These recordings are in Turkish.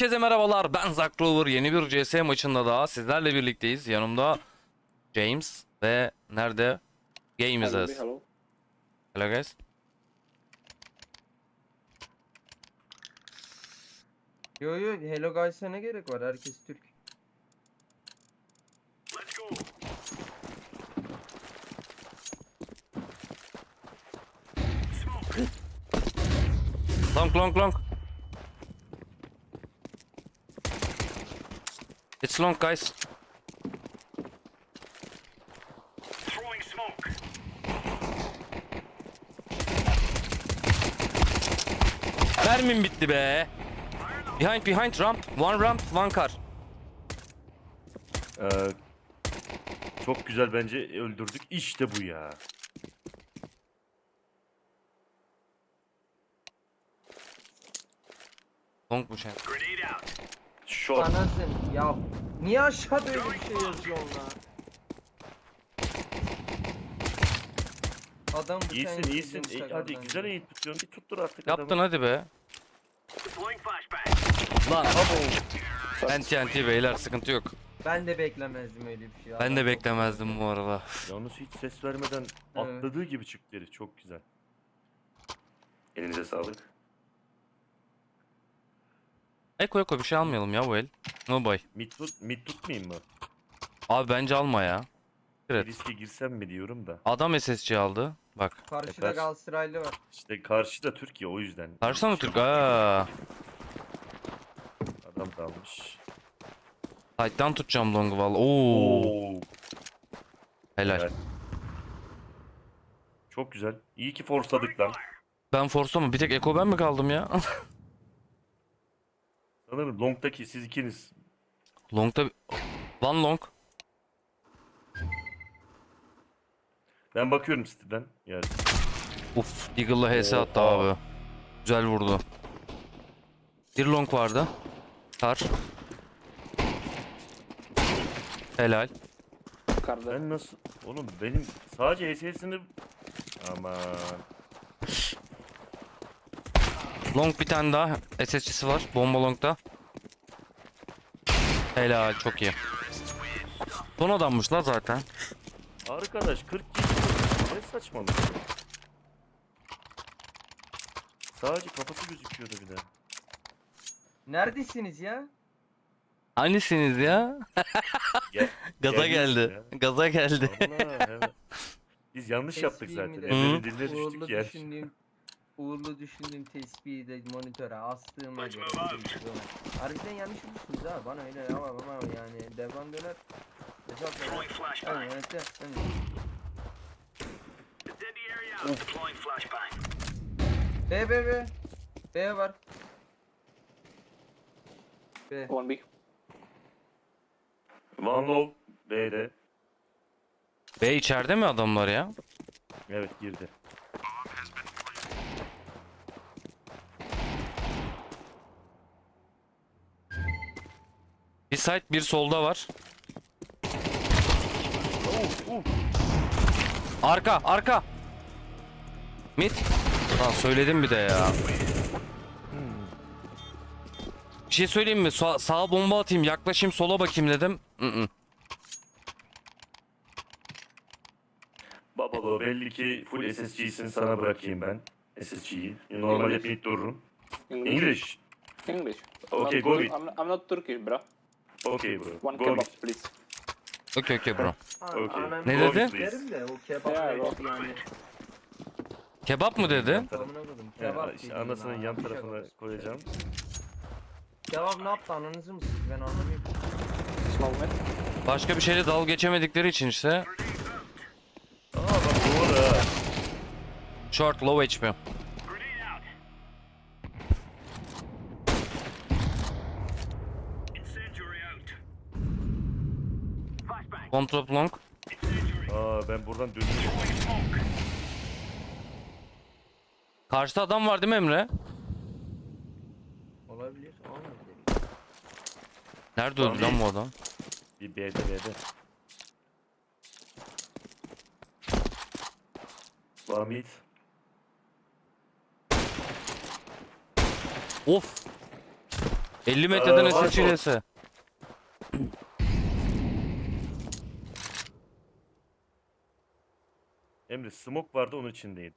Herkese merhabalar, ben Zack Clover. Yeni bir CS maçında daha sizlerle birlikteyiz. Yanımda James ve nerede? Game is us. Hello. Hello guys. Yo Hello Guys'a ne gerek var? Herkes Türk. Long. It's long guys. Throwing smoke. Mermim bitti be. Behind ramp. One car. Ee, Çok güzel bence öldürdük. İşte bu ya. Long bu şey. Grenade out. Short. Anasın ya. Niye aşağıda öyle bir şey yazıyorsun lan? Adam bu İyisin sen iyisin. çizdiğin Hadi sakaldan güzel diyor. eğit tutuyorsun. Bir tuttur artık Yaptın adamı. hadi be. Deploying flashbang. Lan TNT beyler, sıkıntı yok. Ben de beklemezdim öyle bir şey. Ben Adam de çok- beklemezdim bu arada. Yalnız hiç ses vermeden atladığı gibi çıktı herif. Çok güzel. Elinize sağlık. Eko bir şey almayalım ya bu el. No boy. Mid tutmayayım mı? Abi bence alma ya. Evet. Riske girsem mi diyorum da. Adam SSC aldı. Bak. Karşıda Tekrar. Galatasaraylı var. İşte karşıda Türkiye o yüzden. Karşıda mı Türk? Aa. Adam dalmış. Sight'tan tutacağım long'u valla. Oo. Oo. Helal. Evet. Çok güzel. İyi ki forsladık lan. Ben force'ta mı? Bir tek Eko ben mi kaldım ya? Sanırım long'daki siz ikiniz. Long'da... One long. Ben bakıyorum City'den. Yani Uf. Deagle'la HS attı Oha. abi. Güzel vurdu. Bir long vardı. Kar. Helal. ben nasıl... Oğlum benim sadece HS'sini... Aman. Long bir tane daha. SSC'si var. Bomba long'da. Helal. Çok iyi. Son adammış la zaten. Arkadaş 40 kişi. Ne saçmalık. Sadece kafası gözüküyordu bir de. Neredesiniz ya? Hangisiniz ya? Gel, Gaza geldik geldi. ya. Gaza geldi. Allah, evet. Biz yanlış yaptık Tespihi zaten. mi de? Emre'nin diline düştük Uğurlu ya. düşündüğüm tespihi de monitöre astığıma göre. Harbiden yanlış olmuşsunuz ha. Bana öyle ama yani devam döner. Throwing flashbang. Evet. Dead the area out. Deploying flashbang. B var. B. One big. One low B'de. Ve içeride mi adamlar ya? Evet girdi. Bir side bir solda var. Arka. Mid. Lan söyledim bir de ya. Bir şey söyleyeyim mi? Sağa bomba atayım, yaklaşayım, sola bakayım dedim. Babalo belli ki full SSG'sin, sana bırakayım ben. SSG'yi. Normalde mid dururum. English. English. Okay, I'm go not, with. I'm not Turkish, bro. Okay bro. One Go kebab, with. please. Okey bro. Okay. Ne Go dedi? with, please. Derim de o kebap Ya, yani. Kebap mı dedi? Amına koydum. Ya, Kebap işte dedim anasının ya, yan bir şey tarafına olmaz. koyacağım. Kebap ne yaptı, ananızı mı sıktı, ben anlamıyorum. Small mid. Başka bir şeyle dalga geçemedikleri için işte. Aa bak doğru ha. Short, low HP. Grenade out. Incendiary out. Flashbang. Control long. Incendiary. Aa ben buradan dönüyorum. Throwing smoke. Karşıda adam var değil mi Emre? Olabilir, olabilir. Nerede öldü lan bu adam? Bir B'de. Mid. Of. 50 metreden var SSC çok. DS. Emre smoke vardı onun içindeydi.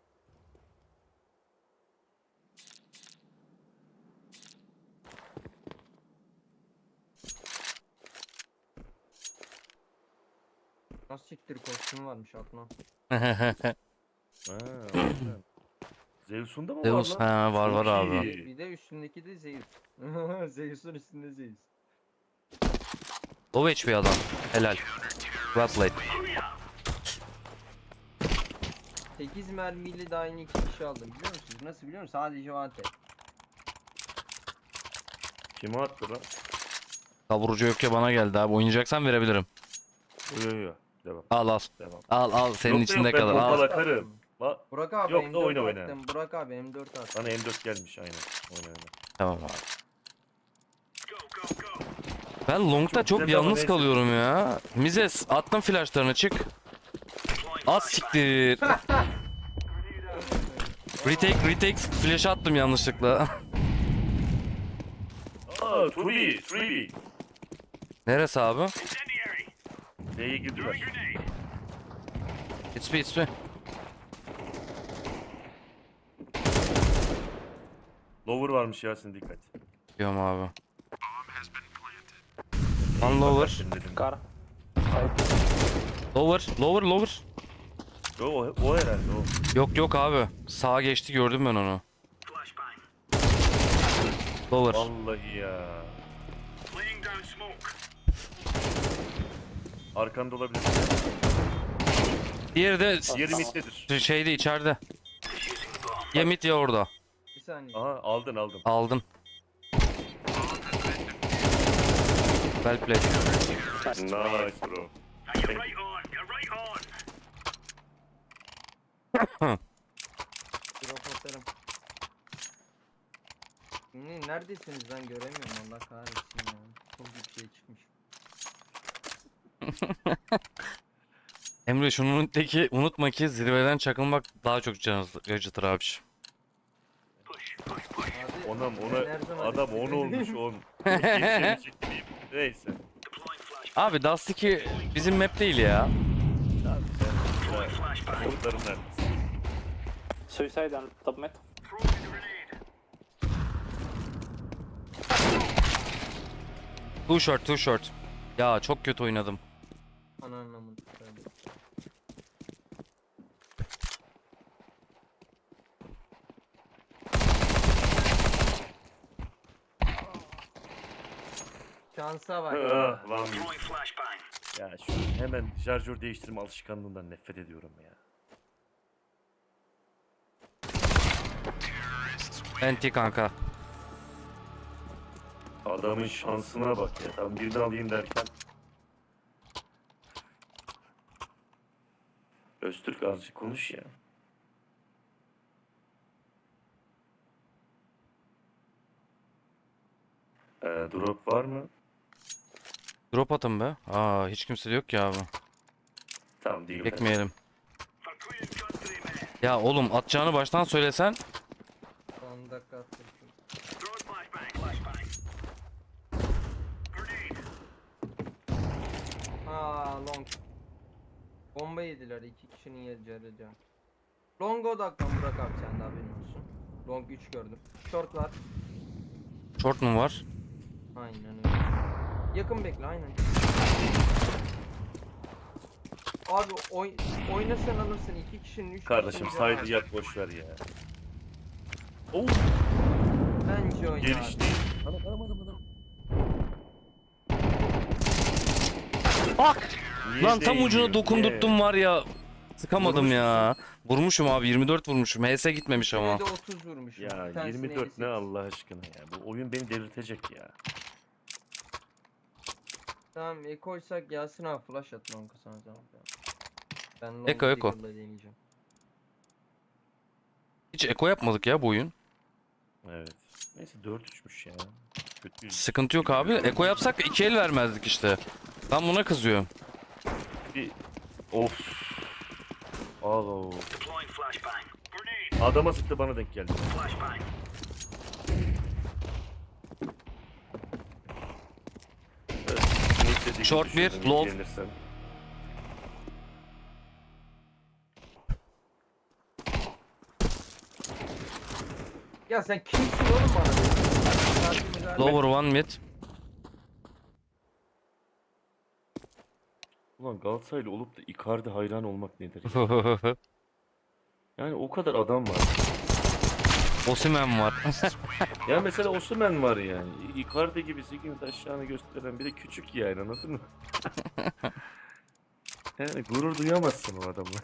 Nasıl siktir kostümü varmış aklına. Ha, o yüzden. Zeus'un da mı Zeus var lan? ha, var Çok abi. iyi. Bir de üstündeki de Zeus. Zeus'un üstünde Zeus. Low HP adam. Helal. Well played. 8 mermiyle daha yeni 2 kişi aldım biliyor musunuz? Nasıl biliyor musun? Sadece o ante. Kime attı lan? Kavurucu yok ya, bana geldi abi. Oynayacaksan verebilirim. Yo yo yo. Devam. Al al. Devam. Al senin Yok da içinde yok, ben kalır. pompalı Al. atarım. Burak abi Yok da M4 oyna, oyna. attım. Burak abi M4 attım. Bana M4 gelmiş aynen. Oyna oyna. Tamam abi. Go, go, go. Ben long'da Çok çok güzel ama yalnız neyse. kalıyorum ya. Mizes attım flashlarını, çık. Az siktir. Retake flash attım yanlışlıkla. Aa 2B. 3B. Neresi abi? Incendiary. D'ye girdiler. Grenade. It's me. Lower varmış Yasin, dikkat. Diyorum abi. One lower. Bakarsın dedim. Car. Lower. Yo, o herhalde o. Yok abi. Sağa geçti, gördüm ben onu. Flashbang. Lower. Vallahi ya. Laying down smoke. Arkanda olabilir. Diğeri de Diğeri middedir. şeyde, içeride. Ya mid ya orada. Bir saniye. Aha aldın. Aldın. Well played. Nice bro. Now you're right on. You're right on. Drop atarım. Neredesiniz lan, göremiyorum Allah kahretsin ya. Çok bir şey çıkmış. Emre şunun teki, unutma ki zirveden çakılmak daha çok can acıtır abiciğim. Abi, Onam ben her zaman adam üstüne 10 olmuş dedim. 10. Geçeni çekmeyeyim. Neyse. Deploying flash. Abi Dust 2 bizim map değil ya. Abi sen umutların neredesin? Suicide on top mid. Throwing a grenade. Too short. Ya çok kötü oynadım. Ana anlamını söyle. Şansa bak. Ah, lan. Throwing flashbang. Ya şu hemen şarjör değiştirme alışkanlığından nefret ediyorum ya. Enti kanka. Adamın şansına bak ya. Tam birini alayım derken. Öztürk azıcık konuş ya. Drop var mı? Drop atın be. Aa, hiç kimse de yok ya abi. Tamam değil. Bekmeyelim. For clearing country, man. Ya oğlum, atacağını baştan söylesen. Son dakika attım. Throwing flashbang. Flashbang. Grenade. Aa long. Bomba yediler, 2 kişinin yedi can. Long odaklan Burak abi, sen de haberin olsun. Long 3 gördüm. Short var. Short mu var? Aynen öyle. Yakın bekle, aynen. Abi oynasan alırsın, 2 kişinin 3 Kardeşim saydı yak boş ver ya. Oo, Bence oyna gelişti. abi. Niye Lan tam değmiyor? ucuna dokundurttum Niye? var ya. Sıkamadım ya. Vurmuşum abi, 24 vurmuşum. HS gitmemiş ama. Bir de 30 vurmuşum. Ya Bir tanesine 24 ne 58. Allah aşkına ya. Bu oyun beni delirtecek ya. Tamam, koysak Yasin abi flash at long sana zaman. Ben long Eko. Deagle'la deneyeceğim. Hiç eko yapmadık ya bu oyun. Evet. Neyse 4-3'müş ya. Kötü. Sıkıntı yok abi. Eko yapsak 2 el vermezdik işte. Ben buna kızıyorum. Bir... Of. Alo. Deploying flashbang. Grenade. Adama sıktı, bana denk geldi. Flashbang. Önceki Short bir, düşürdüm, low. ilgilenirsen. Ya sen kimsin oğlum bana? Lower one mid. Ulan Galatasaraylı olup da Icardi hayran olmak nedir ya? Yani o kadar adam var. Osimhen var. Ya mesela Osimhen var yani. Icardi gibi 8 aşağını gösteren bir de küçük yani, anladın mı? Yani gurur duyamazsın o adamla.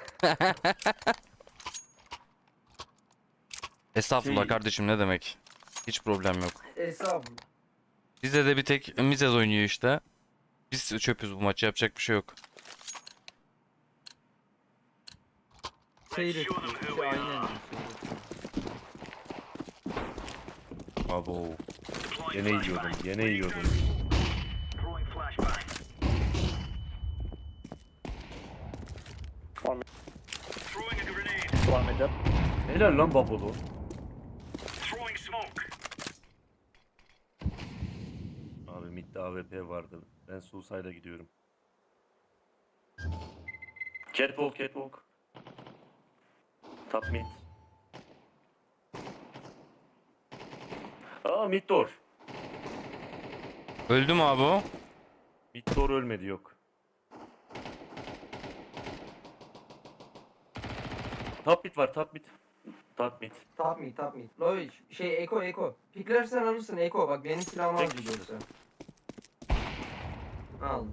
Estağfurullah Şey- kardeşim, ne demek. Hiç problem yok. Estağfurullah. Bizde de bir tek Mizez oynuyor işte. Biz çöpüz bu maçı, yapacak bir şey yok. Seyret. Aynen. Abo. Yine yiyordum, yine yiyordum. Throwing flashbang. Throwing a grenade. One mid dead. Helal lan Babolo. Throwing smoke. Abi midde AWP vardı. Ben Suicide'a gidiyorum. Catwalk, catwalk. Top mid. Aa, mid door. Öldü mü abi o? Mid door ölmedi, yok. Top mid var, top mid. Top mid. Top mid, top mid. Loy, Eko. Piklersen alırsın Eko. Bak benim silahımı al Tek gidiyorsa. Al be.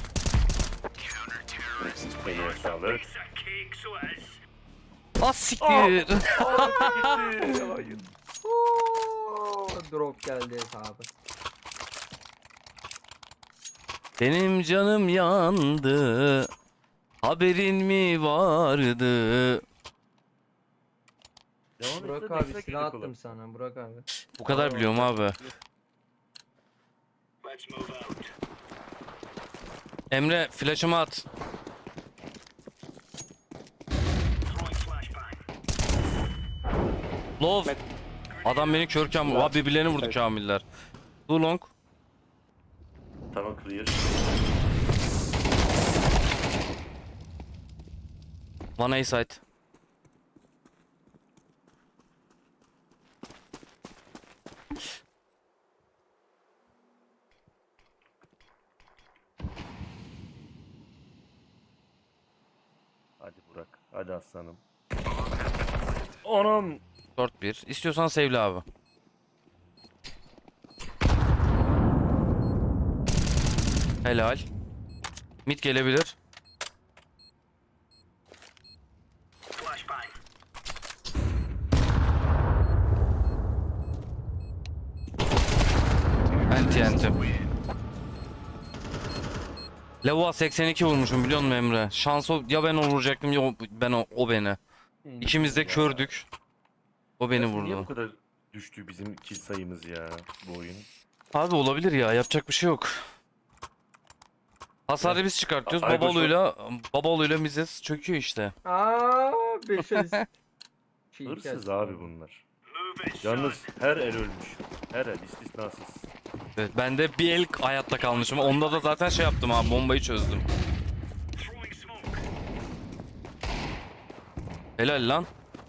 Eline sağlık. Piece of cake, so it is. Ah siktir. Hayır. Oo, drop geldi hesabı. Benim canım yandı. Haberin mi vardı? Devam Burak etsene, abi destek silah yedik attım oğlum. sana Burak abi. Bu kadar biliyorum abi. Let's move out. Emre flash'ımı at. Throwing flashbang. Love. Adam beni kör kamil. Abi birbirlerini vurdu kamiller. Too long. Tamam, clear. One A side. Hadi Burak, hadi aslanım. Anam. Short 1. İstiyorsan save'le abi. Helal. Mid gelebilir. Flashbang. Anti. Levoa 82 vurmuşum, biliyor musun Emre? Şans ya ben onu vuracaktım ya o beni. İkimiz de kördük. O beni Niye bu vurdu. kadar düştü bizim kill sayımız ya bu oyun? Abi olabilir ya, yapacak bir şey yok. Hasarı biz çıkartıyoruz. Ay, Babaluyla Mizes çöküyor işte. Aa, 5'e Hırsız abi bunlar. Move it, Yalnız son. her el ölmüş. Her el istisnasız. Evet, ben de bir el hayatta kalmışım. Onda da zaten şey yaptım abi, bombayı çözdüm. Throwing smoke. Helal lan.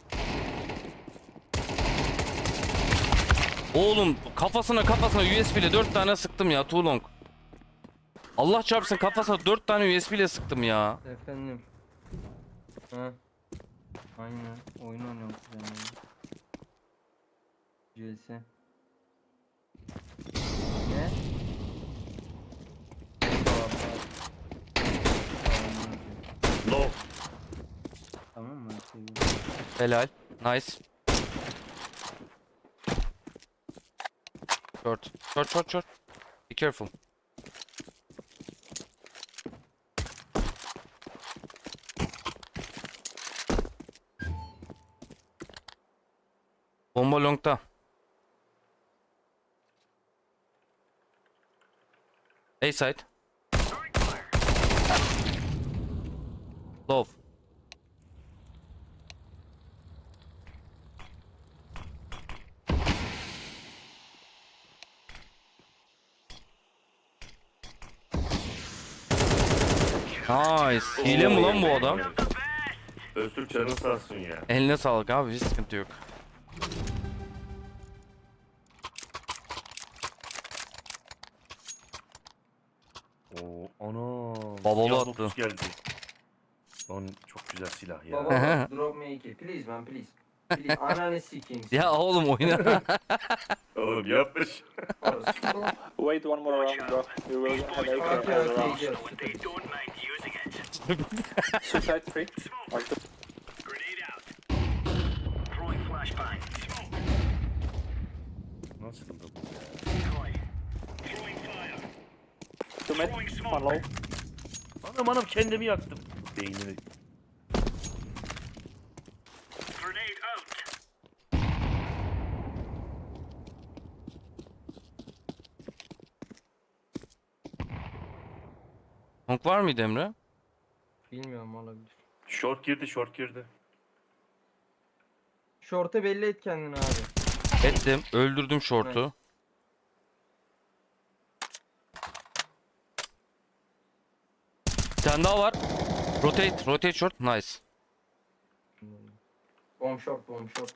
Oğlum kafasına USB ile 4 tane sıktım ya, too long. Allah çarpsın, kafasına 4 tane USB ile sıktım ya. Efendim. Ha. Aynen. Oyun oynuyorum kuzenimle. CS. Ne? No. Tamam mı? Seviyorum. Helal. Nice. Short. Be careful. Bomba long'da. A side. Low. Nice. Hile mi lan bu adam? Öztürk canın sağ olsun ya. Eline sağlık abi, hiç sıkıntı yok. Oo, ana. Babalı siyah attı. dokuz geldi. Lan çok güzel silah ya. Baba drop me 2. Please man please. Please. Ananı sikeyim. Ya oğlum oyna. Oğlum yapmış. Wait one more round, bro. You will have AK Okay as okay round. just. They don't mind using it. Suicide 3. Or 2. Grenade out. Throwing flashbang. Smoke. Nasıl bu? Decoy. Throwing fire. 2 mid, 1 low. Anam kendimi yaktım. Beynini. Grenade out. Honk var mıydı Emre? Bilmiyorum olabilir. Short girdi, short girdi. Şorta belli et kendini abi. Ettim. Öldürdüm short'u. Bir tane daha var. Rotate short. Nice. Bomb short bomb short.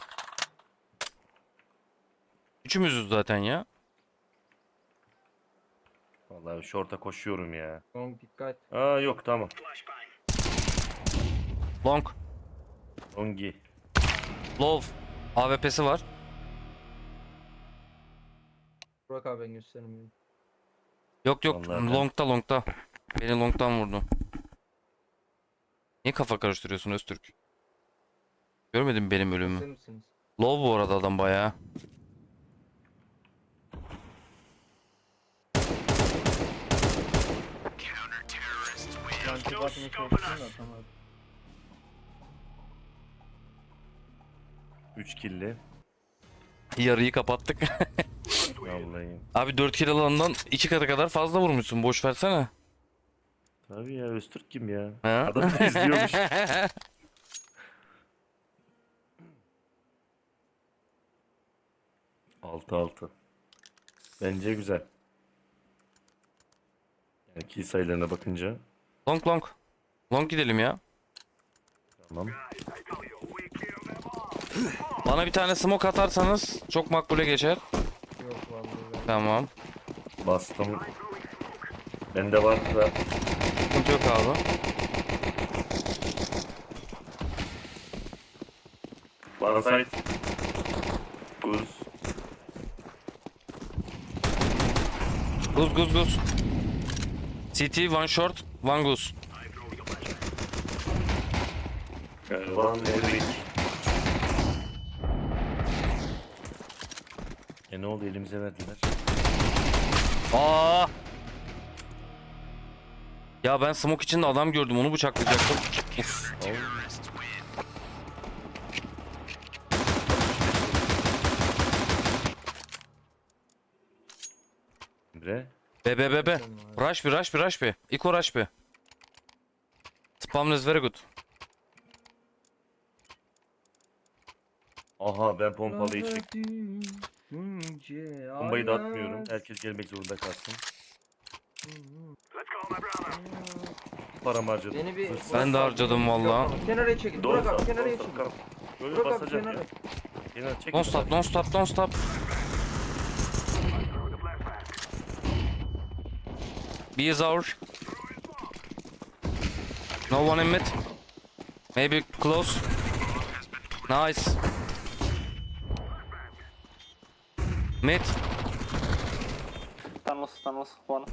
Üçümüzüz zaten ya. Vallahi short'a koşuyorum ya. Long dikkat. Aa yok tamam. Flashbang. Long. Ongi. Low. AWP'si var. Burak abi ben göstermiyorum. Yok Vallahi ben- longta. Beni longtan vurdu. Niye kafa karıştırıyorsun Öztürk? Görmedin mi benim ölümümü? Hazır mısınız? Low bu arada adam bayağı. Yankı bakmaya çalıştım da tamam. 3 killi. Yarıyı kapattık. Vallahi. Abi 4 kill alandan 2 katı kadar fazla vurmuşsun. Boş versene. Tabii ya Öztürk kim ya? Ha? Adam da izliyormuş. 6-6. Bence güzel. Yani kill sayılarına bakınca. Long. Long gidelim ya. Tamam. Bana bir tane smoke atarsanız çok makbule geçer. Yok vallahi ben. Tamam. Bastım. Bende var da. Sıkıntı yok abi. One side. Buz. Guz. CT one short, one goose. One Eric. Ne oldu elimize verdiler. Aa! Ya ben smoke içinde adam gördüm, onu bıçaklayacaktım. Uf. Emre. Be. Rush be. Iko rush be. Spam is very good. Aha ben pompalıyı çektim. Bombayı da atmıyorum. Herkes gelmek zorunda kalsın. Let's go, my brother. Param harcadım. Beni bir... Hırsız. Ben de harcadım valla. Kenara çekil. Doğru Burak abi sat, kenara doğru çekil. sat, kalk. Böyle Burak abi basacağım kenara. ya. Kenar çek. Don't stop. B is our. No one in mid. Maybe close. Nice. Mid. Tunnels, 1.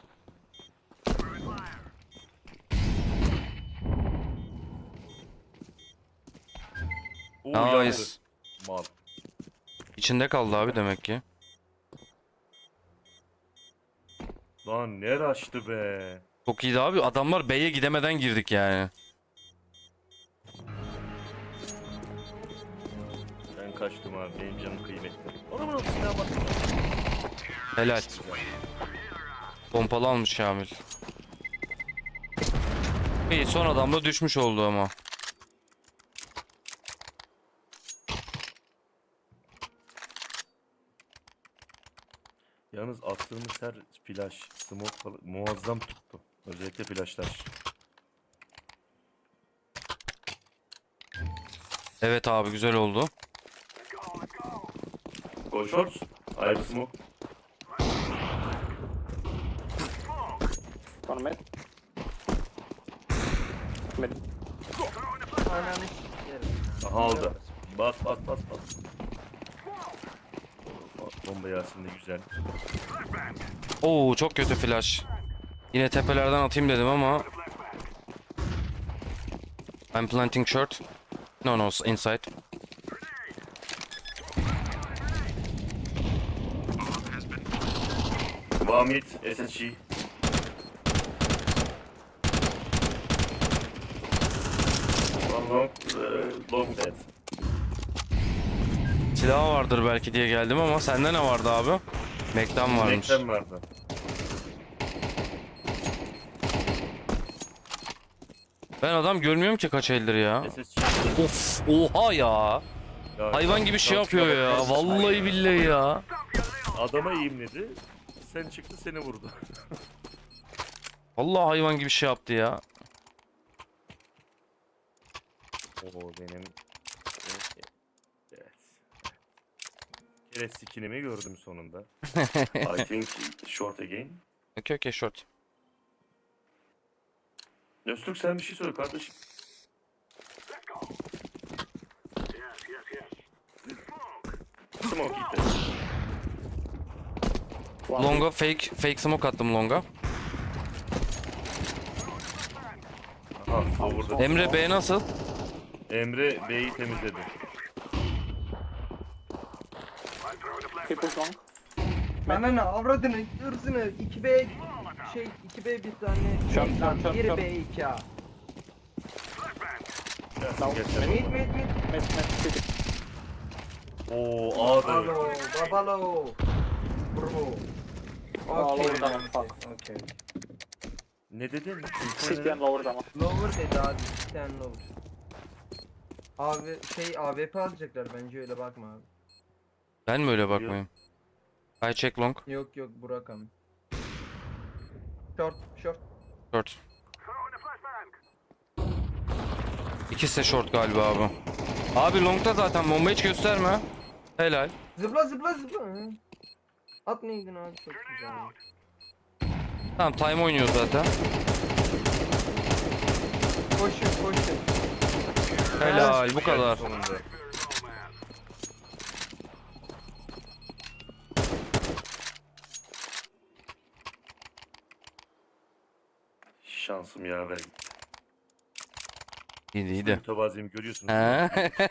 Oo, yandı. Nice. Mal. İçinde kaldı abi demek ki. Lan ne açtı be. Çok iyiydi abi. Adamlar B'ye gidemeden girdik yani. Ben kaçtım abi. Benim canım kıymetli. Ona bana silah bak. Helal. Pompalı almış Şamil. İyi, son adam da düşmüş oldu ama. Yalnız attığımız her flash, smoke falan muazzam tuttu. Özellikle flashlar. Evet abi güzel oldu. Go shorts. Ayrı smoke. One mid. Mid. Ananı s**erim. Aha aldı. Bas bas bas bas. Bomba Yasin de güzel. Oo çok kötü flash. Yine tepelerden atayım dedim ama. I'm planting short. No no inside. One mid. SSG. One long. Long dead. Silah vardır belki diye geldim ama sende ne vardı abi? Mac'den varmış. Nekten vardı. Ben adam görmüyorum ki kaç eldir ya. SSG. Of oha ya. Ya, Hayvan gibi şey şuna yapıyor ya. bak. Vallahi billahi ya. Adama eğimledi. Sen çıktı seni vurdu. Vallahi hayvan gibi şey yaptı ya. Oo benim. Evet. Kere skinimi gördüm sonunda. I think short again. Okay okay short. Öztürk sen bir şey söyle kardeşim. Smoke gitti. Longa fake smoke attım longa. Aha vurdu. Emre B nasıl? Emre B'yi temizledi. He push long. Ananı avradını ırzını 2B şey 2B bir tane Şap, şey, şap, şap, biri şap. B 2 A. Gelsin geçsin. Mid mid mid. Mid, mid, city. Oo A'da. Babalo babalo. Bro. Aa, Okey. lower down, fuck. Okey. Ne dedin? City and lower down. Lower dedi abi. Bir tane lower. Abi şey AWP alacaklar bence öyle bakma abi. Ben mi öyle bakmayayım? I check long. Yok yok Burak abi. Short short. Short. İkisi de short galiba abi. Abi long'da zaten bomba hiç gösterme. Helal. Zıpla zıpla zıpla. Hı. At neydin abi çok güzel. Tamam time oynuyor zaten. Koşun koşun. Helal bu kadar. Sonunda. Şansım yaver gitti. İyiydi iyiydi. Mütevazıyım görüyorsunuz. He?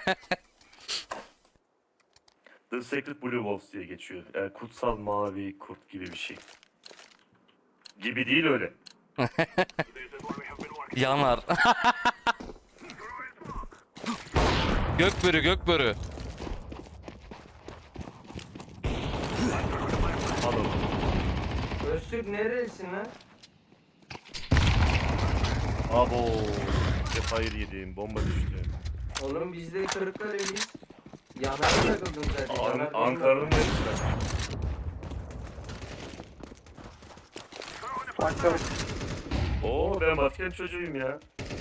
The Sacred Blue Wolves diye geçiyor. Yani kutsal mavi kurt gibi bir şey. Gibi değil öyle. Yanar. Gökbörü gökbörü. Alın. Öztürk neresin lan? Abo. Hayır yedim. Bomba düştü. Oğlum biz de Kırıkkale'liyiz. Yanar'a takıldın zaten. Yanar benim Ankara'nın de- neresi? One short. Oo ben Batıkent çocuğuyum ya.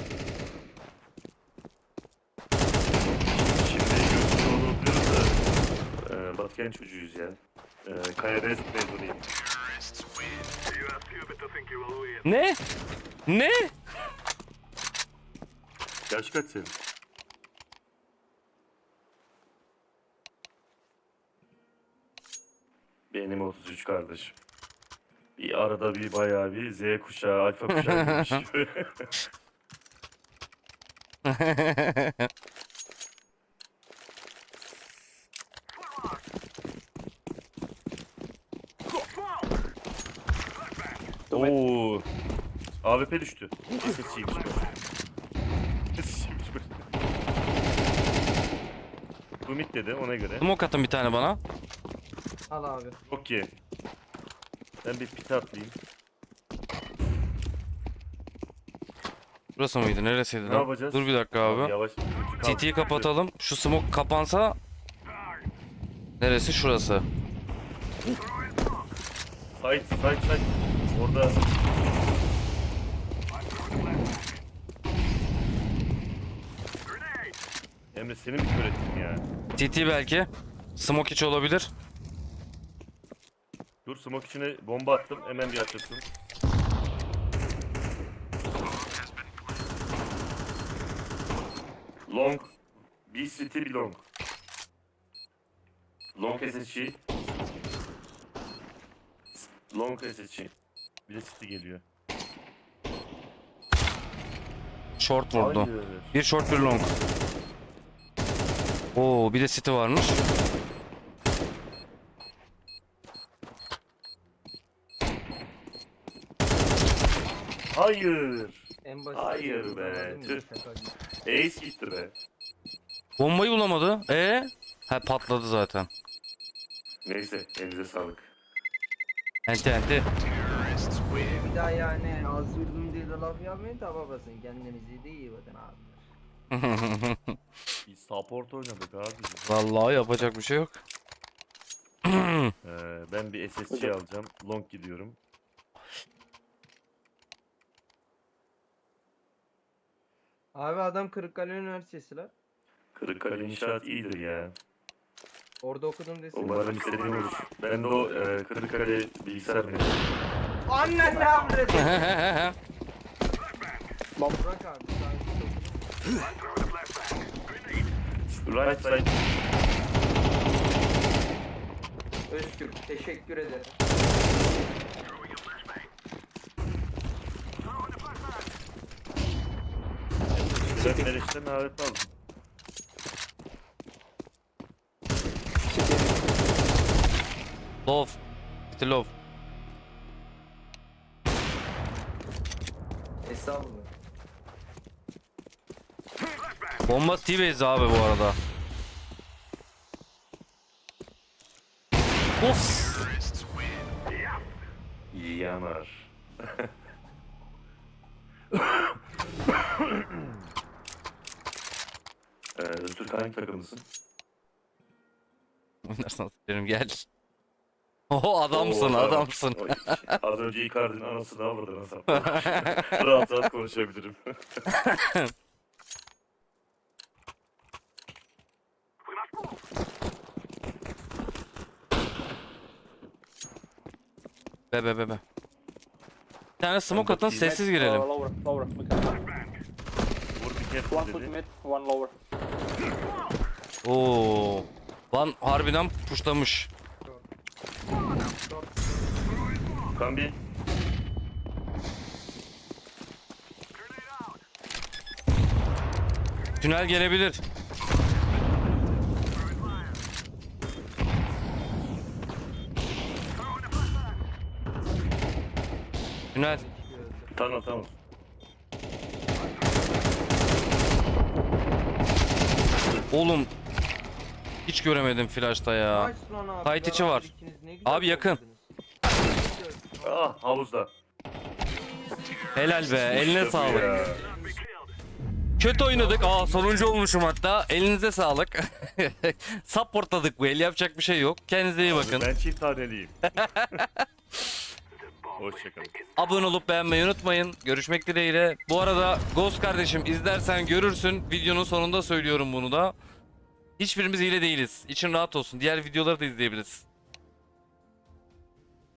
Şimdi gözlü olduğunu biliyoruz da Batıkent çocuğuyuz ya. Kaya Beyazıt mezunuyum. Ne? Ne? Yaş kaç senin? Benim 33 kardeşim. Bir arada bir bayağı bir Z kuşağı, alfa kuşağı gibi bir şey. Oo. AWP düştü. SSC'ymiş bu. SSC'ymiş bu. Bu mid dedi ona göre. Smoke atın bir tane bana. Al abi. Okey. Ben bir pit atlayayım. Burası mıydı? Neresiydi Ne lan? yapacağız? Dur bir dakika abi. Yavaş. CT'yi kapatalım. Şu smoke kapansa neresi? Şurası. Side. Orada Emre seni mi kör ettim ya? TT belki. Smoke içi olabilir. Dur smoke içine bomba attım. Hemen bir açılsın. Long. Bir city bir long. Long SSG. Long SSG. Bir de city geliyor. Short vurdu. Hayır. Bir short bir long. Oo bir de city varmış. Hayır. En basit. Hayır be, tüh. Ace gitti be. Bombayı bulamadı. Ha patladı zaten. Neyse elinize sağlık. Enti enti. Bir daha yani az vurdum diye de laf yapmayın da babasın. Kendinize de iyi bakın abi. Biz support oynadık abi. Vallahi yapacak bir şey yok. Ben bir SSC alacağım. Long gidiyorum. Abi adam Kırıkkale Üniversitesi lan. Kırıkkale inşaat iyidir ya. Orada okudum desin. Umarım istediğim olur. Ben de o Kırıkkale bilgisayar mühendisiyim. Annen ne yaptı? Burak abi. Right side. Öztürk teşekkür ederim. Ben Meriç'ten davet aldım. Love. City love. Estağfurullah. Bomba T-Base abi bu arada. Of. Yanar. Öztürk hangi takımlısın? Oynarsan s**erim gel. Oho adamsın Oo, adamsın. Oy, az önce Icardi'nin anasını avradı nasıl? Rahat rahat konuşabilirim. Be. Bir tane smoke atın sessiz girelim. Lower, lower. We can. Vur bir kez One put dedi. mid, one lower. Oo. Lan harbiden puşlamış. Kambi. Tünel gelebilir. Tünel. Tamam. Oğlum. Hiç göremedim flash'ta ya. Kaç lan abi? Kayıt içi var. İkiniz ne güzel Abi yakın. topladınız. Ah havuzda. Helal be. Eline İşte bu sağlık. ya. Kötü oynadık. Sonuncu olmuşum hatta. Elinize sağlık. Supportladık bu el. Yapacak bir şey yok. Kendinize iyi bakın. Ben çift taneliyim. Hoşçakalın. Abone olup beğenmeyi unutmayın. Görüşmek dileğiyle. Bu arada Ghost kardeşim izlersen görürsün. Videonun sonunda söylüyorum bunu da. Hiçbirimiz hile değiliz. İçin rahat olsun. Diğer videoları da izleyebiliriz.